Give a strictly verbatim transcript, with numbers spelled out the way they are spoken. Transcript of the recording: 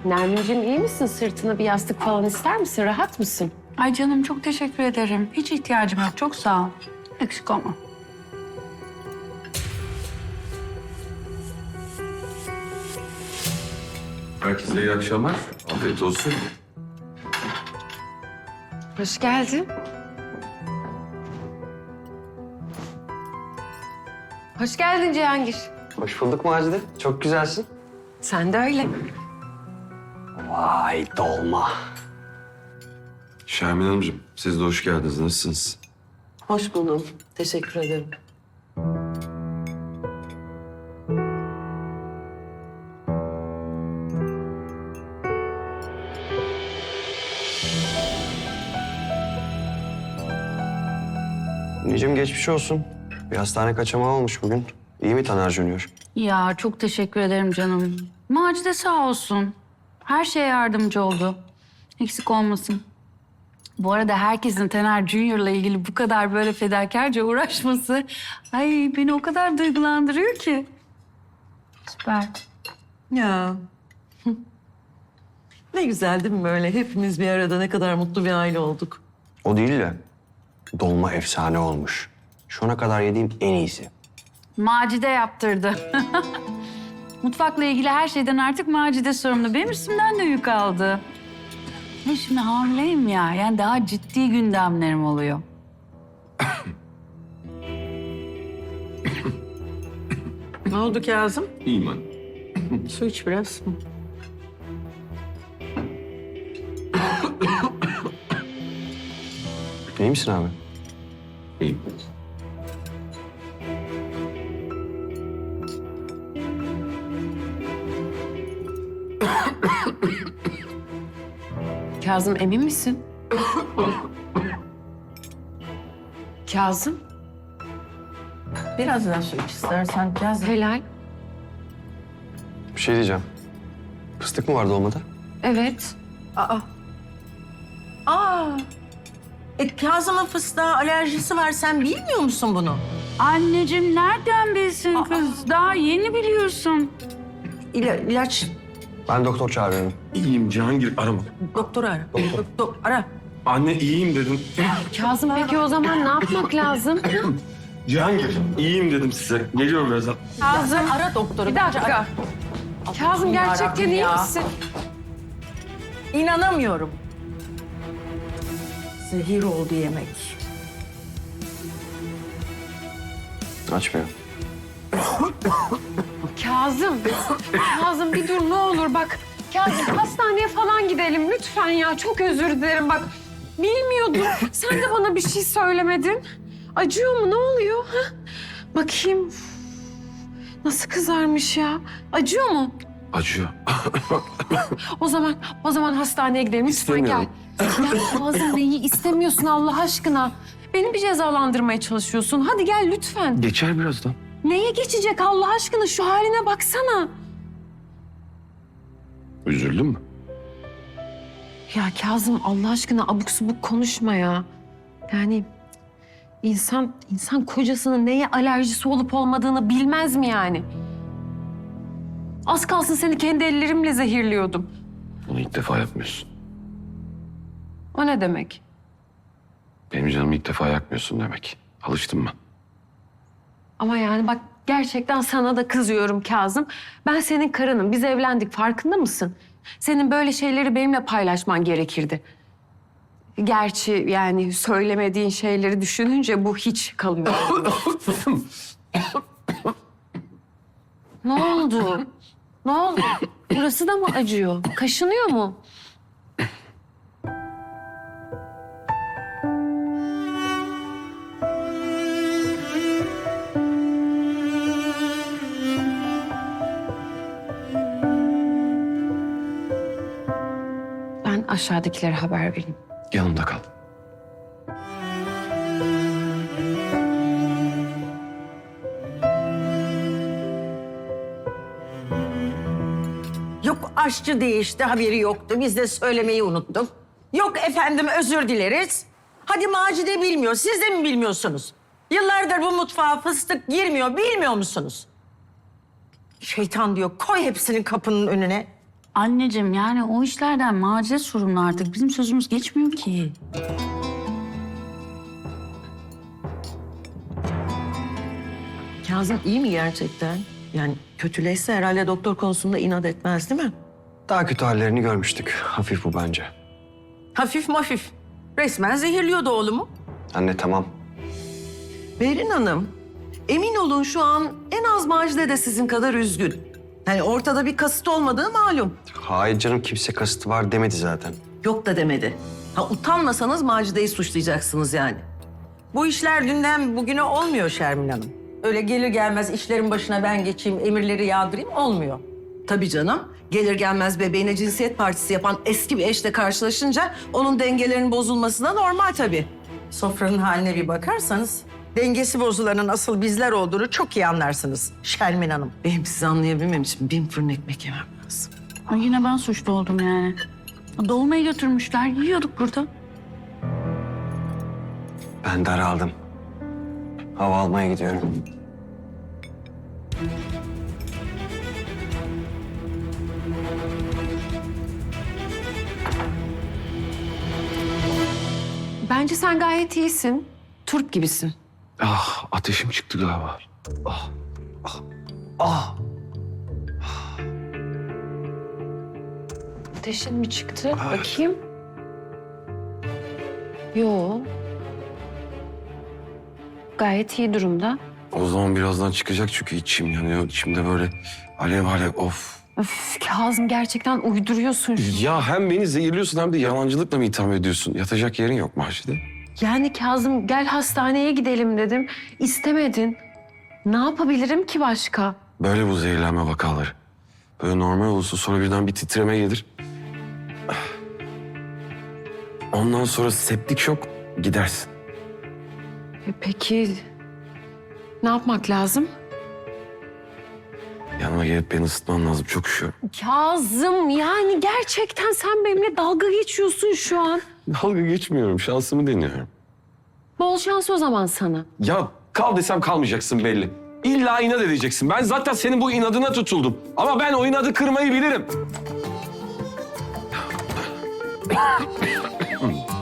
Nermin'cim iyi misin? Sırtına bir yastık falan ister misin? Rahat mısın? Ay canım çok teşekkür ederim. Hiç ihtiyacım yok. Çok sağ ol. Eksik olma. Herkese iyi akşamlar. Afiyet olsun. Hoş geldin. Hoş geldin Cihangir. Hoş bulduk Macide. Çok güzelsin. Sen de öyle. Vay dolma. Şermin Hanımcığım, siz de hoş geldiniz. Nasılsınız? Hoş buldum. Teşekkür ederim. Anneciğim geçmiş olsun. Bir hastane kaçamağı olmuş bugün. İyi mi Taner Junior? Ya çok teşekkür ederim canım. Macide sağ olsun. Her şeye yardımcı oldu. Eksik olmasın. Bu arada herkesin Taner Junior'la ilgili bu kadar böyle fedakarca uğraşması... ay beni o kadar duygulandırıyor ki. Süper. Ya. Ne güzel değil mi böyle? Hepimiz bir arada ne kadar mutlu bir aile olduk. O değil de dolma efsane olmuş. Şu ana kadar yediğim en iyisi. Macide yaptırdı. Mutfakla ilgili her şeyden artık Macide sorumlu. Benim üstümden de yük aldı. Ne şimdi hamileyim ya. Yani daha ciddi gündemlerim oluyor. Ne oldu Kazım? İyiyim anne. Su iç biraz. İyi misin abi? İyiyim. Kazım emin misin? Kazım, Biraz daha su iç istersen Kazım. helal. Bir şey diyeceğim. Fıstık mı var dolmada? Evet. Aa. Aa. E, Kazım'ın fıstığa alerjisi var. Sen bilmiyor musun bunu? Anneciğim nereden bilsin kız? Daha yeni biliyorsun. İla, ilaç. Ben doktor çağırıyorum. İyiyim Cihangir, arama. Doktoru ara. Doktor. ara. Anne iyiyim dedim. Kazım peki o zaman ne yapmak lazım? Cihangir, iyiyim dedim size. Geliyorum birazdan. Kazım, Ara doktoru. bir dakika. Kazım gerçekten iyi ya. misin? İnanamıyorum. Zehir oldu yemek. Açmıyor. Kazım, Kazım bir dur ne olur bak. Kazım hastaneye falan gidelim lütfen ya. Çok özür dilerim bak. Bilmiyordum. Sen de bana bir şey söylemedin. Acıyor mu? Ne oluyor? Ha? Bakayım. Nasıl kızarmış ya? Acıyor mu? Acıyor. O zaman, o zaman hastaneye gidelim. Lütfen gel. İstemiyorum. Ya Kazım neyi istemiyorsun Allah aşkına? Beni bir cezalandırmaya çalışıyorsun. Hadi gel lütfen. Geçer birazdan. Neye geçecek Allah aşkına? Şu haline baksana. Üzüldün mü? Ya Kazım Allah aşkına abuk subuk konuşma ya. Yani insan insan kocasının neye alerjisi olup olmadığını bilmez mi yani? Az kalsın seni kendi ellerimle zehirliyordum. Bunu ilk defa yapmıyorsun. O ne demek? Benim canımı ilk defa yakmıyorsun demek. Alıştın mı? Ama yani bak gerçekten sana da kızıyorum Kazım. Ben senin karınım. Biz evlendik. Farkında mısın? Senin böyle şeyleri benimle paylaşman gerekirdi. Gerçi yani söylemediğin şeyleri düşününce bu hiç kalıyor. Ne oldu? Ne oldu? Burası da mı acıyor? Kaşınıyor mu? Ben aşağıdakilere haber vereyim. Yanımda kal. Yok aşçı değişti, haberi yoktu. Biz de söylemeyi unuttuk. Yok efendim özür dileriz. Hadi Macide bilmiyor, siz de mi bilmiyorsunuz? Yıllardır bu mutfağa fıstık girmiyor, bilmiyor musunuz? Şeytan diyor, koy hepsini kapının önüne. Anneciğim yani o işlerden Macide sorumlu artık. Bizim sözümüz geçmiyor ki. Kazım iyi mi gerçekten? Yani kötüleşse herhalde doktor konusunda inat etmez değil mi? Daha kötü hallerini görmüştük. Hafif bu bence. Hafif mafif. Resmen zehirliyordu oğlumu. Anne tamam. Berin Hanım, emin olun şu an en az Macide de sizin kadar üzgün. Yani ortada bir kasıt olmadığı malum. Hayır canım, kimse kasıtı var demedi zaten. Yok da demedi. Ha utanmasanız Macide'yi suçlayacaksınız yani. Bu işler dünden bugüne olmuyor Şermin Hanım. Öyle gelir gelmez işlerin başına ben geçeyim, emirleri yağdırayım olmuyor. Tabii canım. Gelir gelmez bebeğine cinsiyet partisi yapan eski bir eşle karşılaşınca onun dengelerinin bozulması da normal tabii. Sofranın haline bir bakarsanız dengesi bozulanın asıl bizler olduğunu çok iyi anlarsınız Şermin Hanım. Benim sizi anlayabilmem için bin fırın ekmek yemem lazım. Ay yine ben suçlu oldum yani. Dolmayı götürmüşler. Yiyorduk burada. Ben daraldım. Hava almaya gidiyorum. Bence sen gayet iyisin. Turp gibisin. Ah, ateşim çıktı galiba. Ah! Ateşin mi çıktı? Bakayım. Yo. Gayet iyi durumda. O zaman birazdan çıkacak çünkü içim yanıyor. İçimde böyle alev alev of. Öf Kazım gerçekten uyduruyorsun. şu- Ya hem beni zehirliyorsun hem de yalancılıkla mı itham ediyorsun? Yatacak yerin yok Macide. Yani Kazım gel hastaneye gidelim dedim. İstemedin. Ne yapabilirim ki başka? Böyle bu zehirlenme vakaları. Böyle normal olursa sonra birden bir titreme gelir. Ondan sonra septik şok gidersin. E peki ne yapmak lazım? Yanıma gelip beni ısıtman lazım. Çok üşüyorum. Kazım yani gerçekten sen benimle dalga geçiyorsun şu an. Dalga geçmiyorum. Şansımı deniyorum. Bol şans o zaman sana. Ya kal desem kalmayacaksın belli. İlla inat edeceksin. Ben zaten senin bu inadına tutuldum. Ama ben o inadı kırmayı bilirim.